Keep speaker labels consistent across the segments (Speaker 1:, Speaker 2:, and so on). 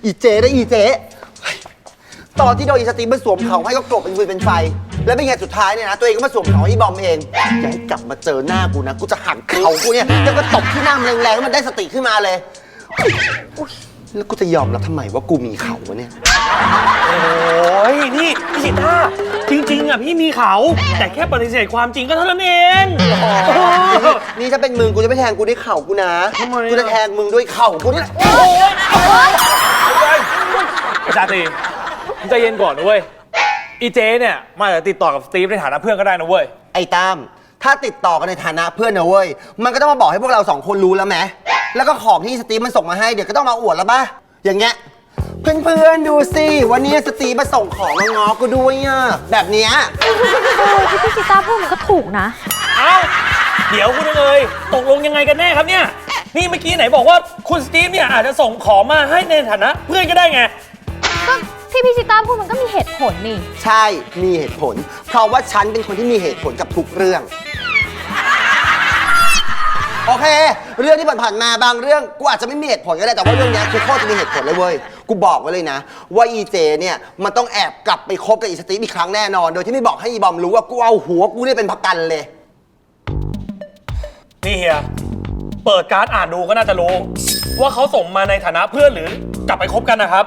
Speaker 1: อีเจ๊ได้อีเจ๊ตอนที่โดนอีสตีมันสวมเขาให้ก็กลบเป็นฟืนเป็นไฟแล้วเป็นไงสุดท้ายเนี่ยนะตัวเองก็มาสวมเขาให้บอมเองอย่าให้กลับมาเจอหน้ากูนะกูจะหักเขากูเนี่ยแล้วก็ตบที่หน้ามันแรงๆแล้วมันได้สติขึ้นมาเลยแล้วกูจะยอมรับทำไมว่ากูมีเขาวะเนี่ย
Speaker 2: โอ้ยนี่พี่สิท่าจริงๆอ่ะพี่มีเขาแต่แค่ปฏิเสธความจริงก็เท่านั้นเอง
Speaker 1: นี่ถ้าเป็นมึงกูจะไม่แทงกูด้วยเข่ากูนะกูจะแทงมึงด้วยเข่ากูนี่แหละ
Speaker 2: ไอ้ชาตรีมึงใจเย็นก่อนนะเว้ยอีเจเนี่ยมาจะติดต่อกับสตีฟในฐานะเพื่อนก็ได้นะเว้ย
Speaker 1: ไอ้ตามถ้าติดต่อกันในฐานะเพื่อนนะเว้ยมันก็ต้องมาบอกให้พวกเรา2คนรู้แล้วไหมแล้วก็ของที่สตีฟมันส่งมาให้เดี๋ยวก็ต้องมาอวดแล้วป่ะอย่างเงี้ยเพื่อนๆดูสิวันนี้สตีฟมาส่งของมาง้อกูด้วยอ่ะแบบเนี้ย
Speaker 3: ที่พี่ชิต้าพูดมันก็ถูกนะ
Speaker 2: เอ้าเดี๋ยวคุณเลยตกลงยังไงกันแน่ครับเนี่ยนี่เมื่อกี้ไหนบอกว่าคุณสตีฟเนี่ยอาจจะส่งของมาให้ในฐานะเพื่อนก็ได้ไง
Speaker 3: ก็ที่พี่ชิต้าพูดมันก็มีเหตุผลนี่
Speaker 1: ใช่มีเหตุผลเพราะว่าฉันเป็นคนที่มีเหตุผลกับทุกเรื่องโอเคเรื่องที่ผ่านๆมาบางเรื่องกูอาจจะไม่มีเหตุผลก็ได้แต่ว่าเรื่องนี้คือโคตรจะมีเหตุผลเลยเว้ยกูบอกไว้เลยนะว่าอีเจเนี่ยมันต้องแอบกลับไปคบกับอีสตีฟอีกครั้งแน่นอนโดยที่ไม่บอกให้อีบอมรู้ว่ากูเอาหัวกูเนี่ยเป็นประกันเลย
Speaker 2: นี่เฮียเปิดการ์ดอ่านดูก็น่าจะรู้ว่าเขาส่งมาในฐานะเพื่อนหรือกลับไปคบกันนะครับ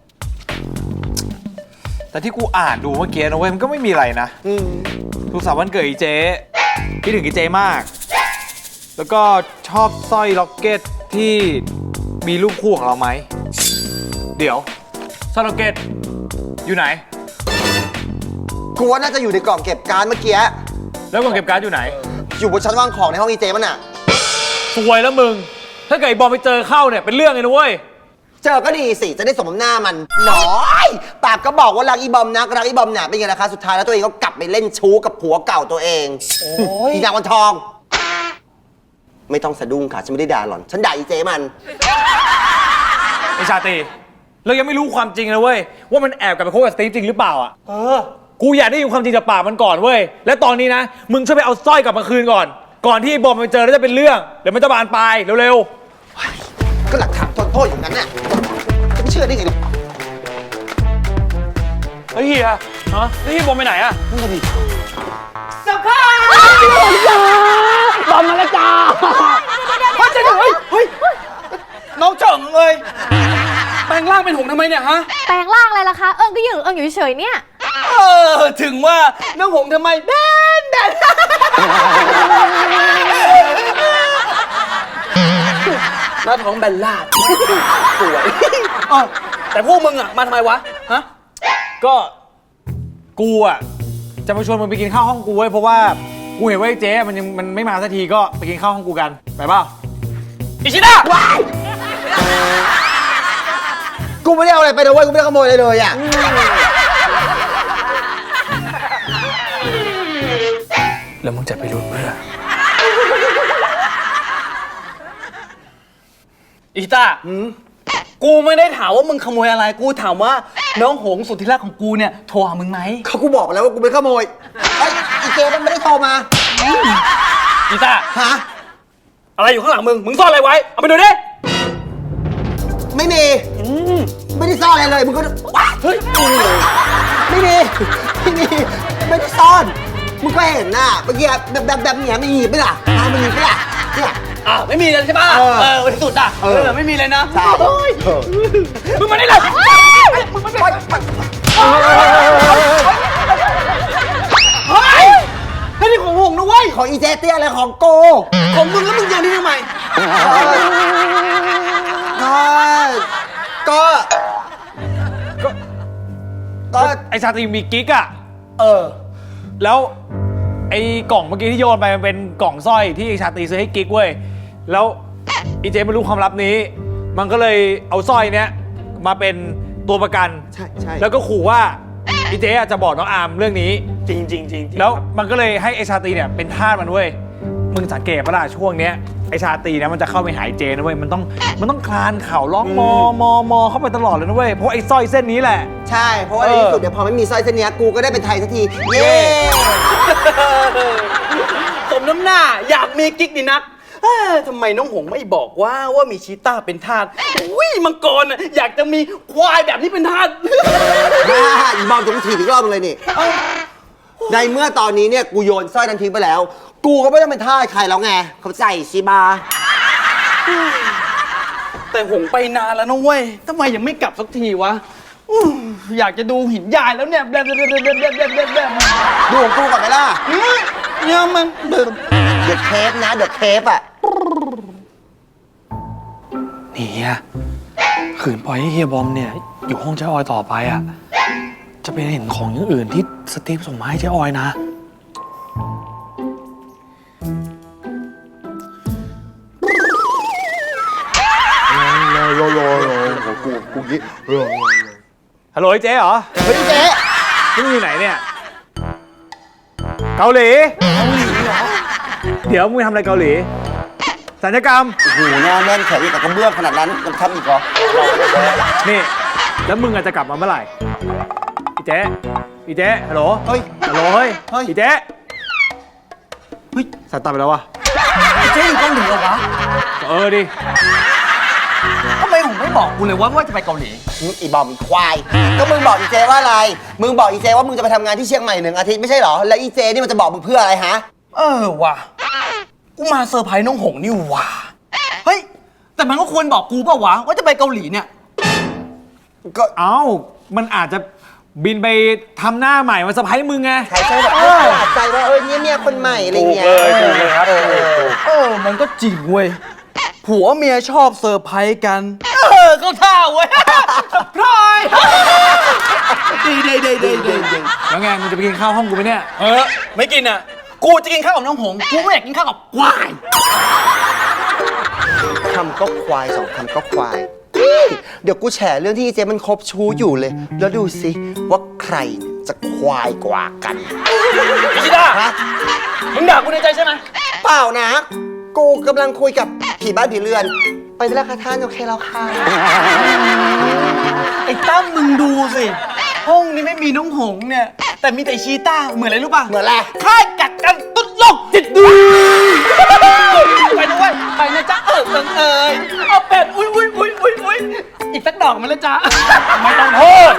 Speaker 4: แต่ที่กูอ่านดูเมื่อกี้นะเว้ยมันก็ไม่มีอะไรนะสุขสันต์วันเกิดอีเจคิดถึงอีเจมากแล้วก็ชอบสร้อยล็อกเก็ตที่มีรูปคู่ของเราไหมเดี๋ยวสร้อยล็อกเก็ตอยู่ไหน
Speaker 1: กูว่าน่าจะอยู่ในกล่องเก็บการ์ดเมื่อกี้
Speaker 4: แล้วกล่องเก็บการ์ดอยู่ไหน
Speaker 1: อยู่บนชั้นวางของในห้องอีเจมันอ่ะ
Speaker 4: สวยแล้วมึงถ้าเกิดไอ้บอมไปเจอเข้าเนี่ยเป็นเรื่องเลยนะเว้ย
Speaker 1: เจอก็ดีสิจะได้สมน้ำหน้ามันน้อยปากก็บอกว่ารักอีบอมนักรักอีบอมเนี่ยเป็นไงล่ะคะสุดท้ายแล้วตัวเองก็กลับไปเล่นชู้กับผัวเก่าตัวเองอีนางวันทองไม่ต้องสะดุ้งค่ะฉันไม่ได้ด่าหล่อนฉันด่าอีเจมัน
Speaker 4: ไอชาตรีเรายังไม่รู้ความจริงนะเว้ยว่ามันแอบกลับไปคบกับสตีฟจริงหรือเปล่าอ่ะกูอยากได้ยินความจริงจากปากมันก่อนเว้ยและตอนนี้นะมึงช่วยไปเอาสร้อยกลับมาคืนก่อนที่บอมไปเจอแล้วจะเป็นเรื่องเดี๋ยวมันจะบานปลายเร็ว
Speaker 1: ๆก็หลักฐานทนโทษอย่างนั้นน่ะจะไม่เชื่อได้ไงหรอก
Speaker 4: เฮ้ยเฮียแล้วที่บอมไปไหนอ่ะ
Speaker 1: นั่นก็ดี
Speaker 2: สภาพบอมมาแล้วจ้าเฮ้ยน้องเฉิงเลยแปลงร่างเป็นหงทำไมเนี่ยฮะ
Speaker 3: แปลงร่างอะไรล่ะคะเอิงก็อยู่เฉยๆเนี่ย
Speaker 2: ถึงว่าน้องหงทำไมแบนหน้าท้องแบนลาดสวยแต่พวกมึงอ่ะมาทำไมวะฮะ
Speaker 4: ก็กูอ่ะจะมาชวนมึงไปกินข้าวห้องกูเว้ยเพราะว่ากูเห็นว่าไอ้เจ๊มันไม่มาสักทีก็ไปกินข้าวห้องกูกันไปเปล่า
Speaker 2: อิชิดะ
Speaker 1: กูไม่ได้เอาอะไรไปนะเว้ยกูไม่ได้ขโมยอะไรเลยอ่ะ
Speaker 2: แล้วมึงจะไปรู้เพื่ออิชิตะกูไม่ได้ถามว่ามึงขโมยอะไรกูถามว่าน้องหงสุดที่รักของกูเนี่ยโทรหามึงไหม
Speaker 1: เขากูบอกแล้วว่ากูไม่ขโมยไอ้อีเจมันไม่ได้โทรมา
Speaker 2: อิชิตะ
Speaker 1: ฮะ
Speaker 2: อะไรอยู่ข้างหลังมึงซ่อนอะไรไว้เอาไปดูดิ
Speaker 1: ไม่มีไม่ได้ซ่อนอะไรเลยมึงก็
Speaker 2: เฮ้ย
Speaker 1: ไม่มีไม่ได้ซ่อนมึงก็เห็นน่ะเมื่อกี้แบบเนี้ยไม่มีไม่ล่ะมันมีไม่ล่ะเนี่ย
Speaker 2: ไม่มีเลยใช่ป่ะวันที่สุดอ่ะไม่มีเลยนะ
Speaker 1: ใช่
Speaker 2: มึงมาได้เลยมึงมาได้เฮ้ยนี่ของหงนะเว้ย
Speaker 1: ของอีเจเตี้ยอะไรของโก
Speaker 2: ของมึงแล้วมึงยังนี่ทำไม
Speaker 4: ก็ไอชาตรีมีกิ๊กอ่ะแล้วไอกล่องเมื่อกี้ที่โยนไปมันเป็นกล่องสร้อยที่ไอชาตรีซื้อให้กิ๊กเว้ยแล้วอีเจไม่รู้ความลับนี้มันก็เลยเอาสร้อยเนี้ยมาเป็นตัวประกัน
Speaker 1: ใช่
Speaker 4: แล้วก็ขู่ว่าอีเจจะบอกน้องอาร์มเรื่องนี้
Speaker 2: จริง
Speaker 4: แล้วมันก็เลยให้ไอชาตรีเนี่ยเป็นทาสมันเว้ยมึงสังเกตปะล่ะช่วงเนี้ยไอชาตรีนะมันจะเข้าไปหายเจนะเว้ยมันต้องคลานเข่าร้องมอเข้าไปตลอดเลยนะเว้ยเพราะไอสร้อยเส้นนี้แหละ
Speaker 1: ใช่เพราะว่าในที่สุดเดี๋ยวพอไม่มีสร้อยเส้นนี้กูก็ได้เป็นไทยสักทีเย้
Speaker 2: สมน้ำหน้าอยากมีกิ๊กดีนักทำไมน้องหงไม่บอกว่ามีชีต้าเป็นทาสอุ้ยมังกรน่ะอยากจะมีควายแบบนี้เป็นทาส
Speaker 1: อีบอมจะกูถีบอีกรอบนึงเลยนี่ ในเมื่อตอนนี้เนี่ยกูโยนสร้อยนั้นทิ้งไปแล้ว กูก็ไม่ต้องเป็นทาสใครแล้วไง เขาใจชิบา
Speaker 2: แต่หงไปนานแล้วนะเว้ยทำไมยังไม่กลับสักทีวะอู้อยากจะดูหินยายแล้วเนี่ยแบบ
Speaker 1: ดูของกูก่อนไหมล่ะ
Speaker 2: เนี่ยมัน
Speaker 1: เดือดเทปนะเดือดเทปอ่ะ
Speaker 5: นี่เฮียขืนปล่อยให้เฮียบอมเนี่ย อยู่ห้องเจ๊ออยต่อไปอ่ะ จะไปเห็นของอย่างอื่นที่สตีฟส่งมาให้เจ๊ออยนะ
Speaker 4: ฮัลโหลไอ้เจ๊เหรอ
Speaker 1: เฮ้ยเจ๊
Speaker 4: ที่มึงอยู่ไหนเนี่ย เกาหลี เดี๋ยวมึงทำอะไรเกาหลี สัญญกรรม
Speaker 1: โอ้โหหน้าแน่นแข็งกับกระเบื้องขนาดนั้นยังทำอีกเหรอ
Speaker 4: นี่ แล้วมึงอาจจะกลับมาเมื่อไหร่อีเจ๊อีเจ๊ฮัลโหล
Speaker 1: เฮ้ย
Speaker 4: ฮัลโหล เฮ้ย
Speaker 1: เฮ้ย
Speaker 4: อีเจ๊เฮ้ยสายตาไปแล้ววะ
Speaker 2: เจ๊อยู่เกาหลีเหรอวะ
Speaker 4: ดิ
Speaker 2: ทำไมหงไม่บอกกูเลยว่าจะไปเกาหลี
Speaker 1: อีบอมอีควาย ก็มึงบอกอีเจว่าอะไร มึงบอกอีเจว่ามึงจะไปทำงานที่เชียงใหม่1 อาทิตย์ไม่ใช่เหรอ แล้วอีเจนี่มันจะบอกมึงเพื่ออะไรฮะ
Speaker 2: ว่ะกูมาเซอร์ไพรส์น้องหงนี่ว่ะเฮ้ยแต่มันก็ควรบอกกูเปล่าวะว่าจะไปเกาหลีเนี่ย
Speaker 1: ก็
Speaker 4: เอ้า มันอาจจะบินไปทำหน้าใหม่มาเซอร์ไพรส์มึงไง
Speaker 1: ใครใช่แบบประหลาดใจว่าเนี่ยเมียคนใหม่อะไรเงี้ย
Speaker 2: มันก็จริงเว้ย ผัวเมียชอบเซอร์ไพรส์กัน ก็ท่าเว้ย เซอร์ไพรส์ดี
Speaker 4: แล้วไง มึงจะไปกินข้าวห้องกูไหมเนี่ย
Speaker 2: ไม่กินอ่ะ กูจะกินข้าวกับน้องหง กูไม่อยากกินข้าวกับควาย
Speaker 1: คำก็ควาย2 คำก็ควาย เดี๋ยวกูแฉเรื่องที่อีเจมันคบชู้อยู่เลย แล้วดูสิว่าใครจะควายกว่ากัน
Speaker 2: พิชิตา
Speaker 1: ฮะ
Speaker 2: มึงด่ากูในใจใช่ไหม
Speaker 1: เปล่านะ กูกำลังคุยกับผีบ้านผีเรือน ไปได้แล้วค่ะท่านโอเคแล้วค่ะ
Speaker 2: ไอ้ตั้มมึงดูสิ ห้องนี้ไม่มีน้องหงเนี่ย แต่มีแต่ชีต้า เหมือนอะไรรู้ป่ะ
Speaker 1: เหมือนอะไร
Speaker 2: ค่ายกักกันตุ๊ดโลกจิตดูไปนะเว้ยไปนะจ๊ะเอาเป็ดอุ้ยอีกสักดอกมันแล้วจ๊ะไม่ต้องโทษ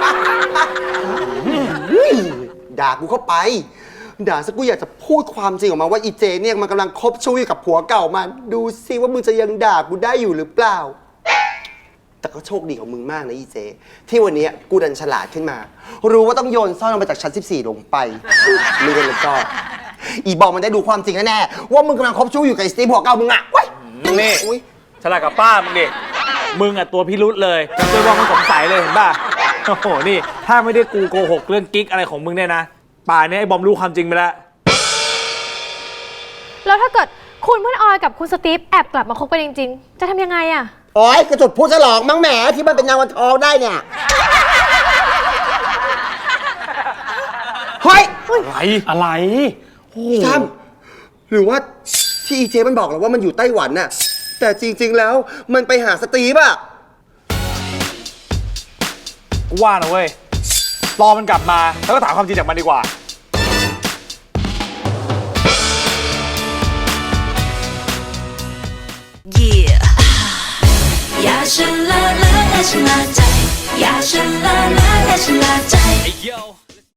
Speaker 1: ด่ากูเข้าไป ด่าซะกูอยากจะพูดความจริงออกมาว่าอีเจเนี่ยมันกำลังคบชู้อยู่กับผัวเก่ามัน ดูสิว่ามึงจะยังด่ากูได้อยู่หรือเปล่า แต่ก็โชคดีของมึงมากนะอีเจ ที่วันนี้กูดันฉลาดขึ้นมา รู้ว่าต้องโยนซ่อนลงไปจากชั้น 14 ลงไปไม่ได้แล้วก็ อีบอมมันได้ดูความจริงแน่ๆว่ามึงกำลังคบชู้อยู่กับไอ้สตีฟผัวเก่ามึงอะเว้ย
Speaker 4: นี่
Speaker 1: อุ๊ย
Speaker 4: ฉลาดกับป้ามึงดิ มึงอ่ะตัวพิรุษเลยจนว่ามึงสงสัยเลยเห็นป่ะ โอ้โห นี่ ถ้าไม่ได้กูโกหกเรื่องกิ๊กอะไรของมึงเนี่ยนะ ป่านนี้ไอ้บอมรู้ความจริงไปแล้ว
Speaker 3: แล้วถ้าเกิดคุณเพื่อนออยกับคุณสตีฟแอบกลับมาคบกันจริงๆ จะทำยังไงอะ
Speaker 1: โอ๊ยกระจุดพูดฉลองมั้งแหมที่มันเป็นยางวันทองได้เนี่ย เฮ้ย
Speaker 5: อะไร
Speaker 1: พี่ตั้มหรือว่าที่อีเจมันบอกเราว่ามันอยู่ไต้หวันน่ะ แต่จริง ๆ แล้วมันไปหาสตีฟอะ
Speaker 4: กูว่านะเว้ย รอมันกลับมา แล้วก็ถามความจริงจากมันดีกว่า
Speaker 6: อย่าฉันละละและฉันละใจอย่าฉันละละและฉันละใจ